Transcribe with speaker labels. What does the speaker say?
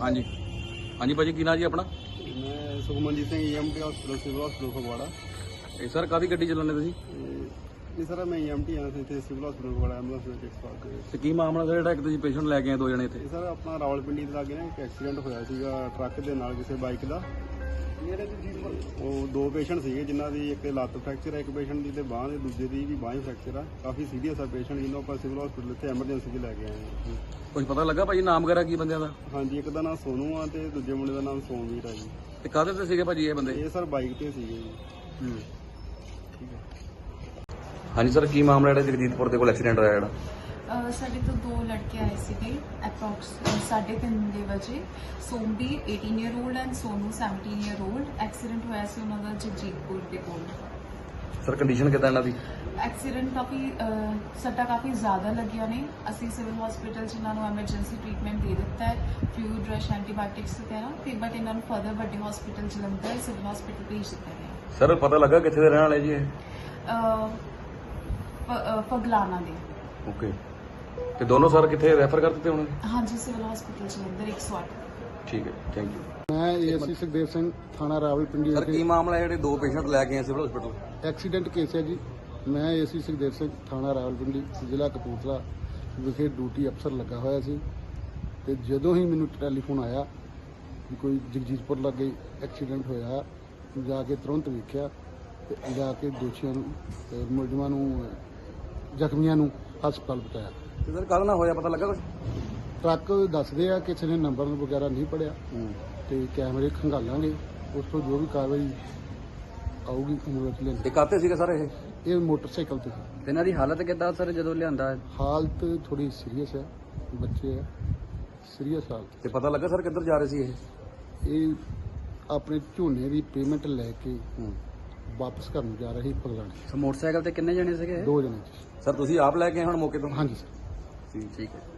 Speaker 1: ਹਾਂਜੀ ਹਾਂਜੀ ਭਾਜੀ ਕੀ ਨਾਂ ਜੀ ਆਪਣਾ?
Speaker 2: मैं Sukhmanjit Singh EMT hospital civil hospital Phagwara.
Speaker 1: ਇਹ ਸਰ ਕਾਹਦੀ ਗੱਡੀ ਚਲਾਉਂਦੇ ਤੁਸੀਂ
Speaker 2: नहीं सर मैं EMT हाँ इतने सिविल हॉस्पिटल फगवाड़ा एंबुलेंस में 105 के।
Speaker 1: ਤੇ ਕੀ ਮਾਮਲਾ ਸਰ ਜਿਹੜਾ ਇੱਕ ਤੁਸੀਂ ਪੇਸ਼ੈਂਟ ਲੈ ਕੇ ਆਏ ਦੋ ਜਣੇ ਇੱਥੇ?
Speaker 2: ਇਹ ਸਰ ਆਪਣਾ ਰਾਵਲਪਿੰਡੀ ਦੇ ਲਾਗੇ ਨਾ ਇੱਕ ਐਕਸੀਡੈਂਟ ਹੋਇਆ ਸੀਗਾ ਟਰੱਕ ਦੇ ਨਾਲ ਕਿਸੇ ਬਾਈਕ ਦਾ। ਉਹ ਦੋ ਪੇਸ਼ੈਂਟ ਸੀਗੇ ਜਿਨ੍ਹਾਂ ਦੀ ਇੱਕ ਲੱਤ ਫ੍ਰੈਕਚਰ ਹੈ, ਇੱਕ ਪੇਸ਼ੈਂਟ ਦੀ ਤੇ ਬਾਂਹ ਦੇ, ਦੂਜੇ ਦੀ ਵੀ ਬਾਂਹ ਹੀ ਫ੍ਰੈਕਚਰ ਆ। ਕਾਫੀ ਸੀਰੀਅਸ ਆ ਪੇਸ਼ੈਂਟ, ਜਿਹਨੂੰ ਆਪਾਂ ਸਿਵਲ ਹਸਪੀਟਲ ਇੱਥੇ ਐਮਰਜੈਂਸੀ 'ਚ ਲੈ ਕੇ ਆਏ ਹਾਂ।
Speaker 1: ਕੁਝ ਪਤਾ ਲੱਗਾ ਭਾਜੀ ਨਾਮ ਵਗੈਰਾ ਕੀ ਬੰਦਿਆਂ ਦਾ?
Speaker 2: ਹਾਂਜੀ, ਇੱਕ ਦਾ ਨਾਮ ਸੋਨੂ ਆ ਤੇ ਦੂਜੇ ਮੁੰਡੇ ਦਾ ਨਾਮ ਸੋਮਵੀਰ ਆ ਜੀ।
Speaker 1: ਤੇ ਕਾਹਦੇ ਤੇ ਸੀਗੇ ਭਾਜੀ ਇਹ ਬੰਦੇ?
Speaker 2: ਇਹ ਸਰ ਬਾਈਕ ਤੇ ਸੀਗੇ ਜੀ।
Speaker 1: ਹਾਂਜੀ ਸਰ ਕੀ ਮਾਮਲਾ ਜਿਹੜਾ ਜਗਜੀਤਪੁਰ ਦੇ ਕੋਲ ਐਕਸੀਡੈਂਟ ਹੋਇਆ ਜਿਹੜਾ?
Speaker 3: ਸਾਡੇ ਤੋਂ ਦੋ ਲੜਕੇ ਆਏ ਸੀਗੇ ਅਪਰੋਕਸ 3:30 ਵਜੇ। Somvir 18 year old and Sonu 17 year old. Accident ਹੋਇਆ ਸੀ ਉਹਨਾਂ ਦਾ ਜਗਜੀਤਪੁਰ ਦੇ ਕੋਲ।
Speaker 1: ਸਰ ਕੰਡੀਸ਼ਨ ਕਿੱਦਾਂ ਇਹਨਾਂ ਦੀ?
Speaker 3: ਐਕਸੀਡੈਂਟ ਸੱਟਾਂ ਕਾਫੀ ਜ਼ਿਆਦਾ ਲੱਗੀਆਂ ਨੇ। ਅਸੀਂ ਸਿਵਲ ਹਸਪੀਟਲ 'ਚ ਇਹਨਾਂ ਨੂੰ ਐਮਰਜੈਂਸੀ ਟ੍ਰੀਟਮੈਂਟ ਦੇ ਦਿੱਤਾ ਹੈ, ਫਲੂਇਡ ਰਸ਼, ਐਂਟੀਬਾਇਓਟਿਕਸ ਵਗੈਰਾ, ਤੇ ਬਟ ਇਹਨਾਂ ਨੂੰ ਫਰਦਰ ਵੱਡੇ ਹਸਪੀਟਲ ਜਲੰਧਰ ਸਿਵਲ ਹਸਪੀਟਲ ਭੇਜ ਦਿੱਤਾ ਗਿਆ।
Speaker 1: ਸਰ ਪਤਾ ਲੱਗਾ ਕਿੱਥੇ ਦੇ ਰਹਿਣ ਵਾਲੇ ਜੀ ਇਹ?
Speaker 3: ਪਗਲਾਨਾ ਦੇ।
Speaker 1: ਓਕੇ, ਤੇ ਦੋਨੋਂ ਸਰ ਕਿੱਥੇ ਰੈਫਰ ਕਰ ਦਿੱਤੇ ਹੁਣ?
Speaker 3: ਹਾਂਜੀ, ਸਿਵਲ ਹਸਪੀਟਲ ਜਲੰਧਰ 108।
Speaker 1: ਠੀਕ ਹੈ, ਥੈਂਕ ਯੂ।
Speaker 4: मैं ASC सुखदेव सिंह थाना रावलपिंडी
Speaker 1: ਸਰ ਕੀ ਮਾਮਲਾ ਜਿਹੜੇ ਦੋ ਪੇਸ਼ੈਂਟ ਲੈ ਕੇ ਆਏ ਸਿਵਲ ਹਸਪੀਟਲ?
Speaker 4: एक्सीडेंट केस है जी। मैं ASC सुखदेव सिंह थाना रावलपिंडी ਜ਼ਿਲ੍ਹਾ ਕਪੂਰਥਲਾ ਵਿਖੇ ਡਿਊਟੀ ਅਫਸਰ ਲੱਗਾ ਹੋਇਆ ਸੀ ਤੇ ਜਦੋਂ ਹੀ ਮੈਨੂੰ ਟੈਲੀਫੋਨ ਆਇਆ ਕਿ ਕੋਈ ਜਗਜੀਤਪੁਰ ਲਾਗੇ ਐਕਸੀਡੈਂਟ ਹੋਇਆ, ਜਾ ਕੇ ਤੁਰੰਤ ਵੇਖਿਆ ਤੇ ਜਾ ਕੇ ਦੋਸ਼ੀਆਂ ਨੂੰ ਤੇ ਮੁਲਜ਼ਮਾਂ ਨੂੰ, ਜ਼ਖਮੀਆਂ ਨੂੰ ਹਸਪਤਾਲ ਪਹੁੰਚਾਇਆ।
Speaker 1: ਤੇ ਸਰ ਕੱਲ ਨਾ ਹੋਇਆ ਪਤਾ ਲੱਗਾ ਕੁਝ?
Speaker 4: ਟਰੱਕ ਦੱਸਦੇ ਆ ਕਿਸੇ ਨੇ ਨੰਬਰ ਵਗੈਰਾ ਨਹੀਂ ਪੜਿਆ ਤੇ ਕੈਮਰੇ ਖੰਗਾਲਾਂਗੇ, ਉਸ ਤੋਂ ਜੋ ਵੀ ਕਾਰਵਾਈ ਆਊਗੀ ਅਮਲ ਵਿੱਚ ਲੈਂਦੇ।
Speaker 1: ਤੇ ਕਾਤੇ ਸੀਗੇ ਸਰ ਇਹ?
Speaker 4: ਇਹ ਮੋਟਰਸਾਈਕਲ ਤੇ ਸੀ।
Speaker 1: ਤੇ ਇਹਨਾਂ ਦੀ ਹਾਲਤ ਕਿੱਦਾਂ ਸਰ ਜਦੋਂ ਲਿਆਂਦਾ?
Speaker 4: ਹਾਲਤ ਥੋੜੀ ਸੀਰੀਅਸ ਹੈ, ਬੱਚੇ ਹੈ, ਸੀਰੀਅਸ ਹਾਲਤ।
Speaker 1: ਤੇ ਪਤਾ ਲੱਗਾ ਸਰ ਕਿੱਧਰ ਜਾ ਰਹੇ ਸੀ ਇਹ?
Speaker 4: ਇਹ ਆਪਣੇ ਝੋਨੇ ਦੀ ਪੇਮੈਂਟ ਲੈ ਕੇ ਵਾਪਸ ਘਰ ਨੂੰ ਜਾ ਰਹੇ ਪਗਲਾਣੇ।
Speaker 1: ਮੋਟਰਸਾਈਕਲ ਤੇ ਕਿੰਨੇ ਜਣੇ ਸੀਗੇ?
Speaker 4: ਦੋ ਜਣੇ।
Speaker 1: ਸਰ ਤੁਸੀਂ ਆਪ ਲੈ ਕੇ ਆਏ ਹੁਣ ਮੌਕੇ ਤੋਂ?
Speaker 4: ਹਾਂਜੀ ਸਰ।
Speaker 1: ਠੀਕ ਹੈ।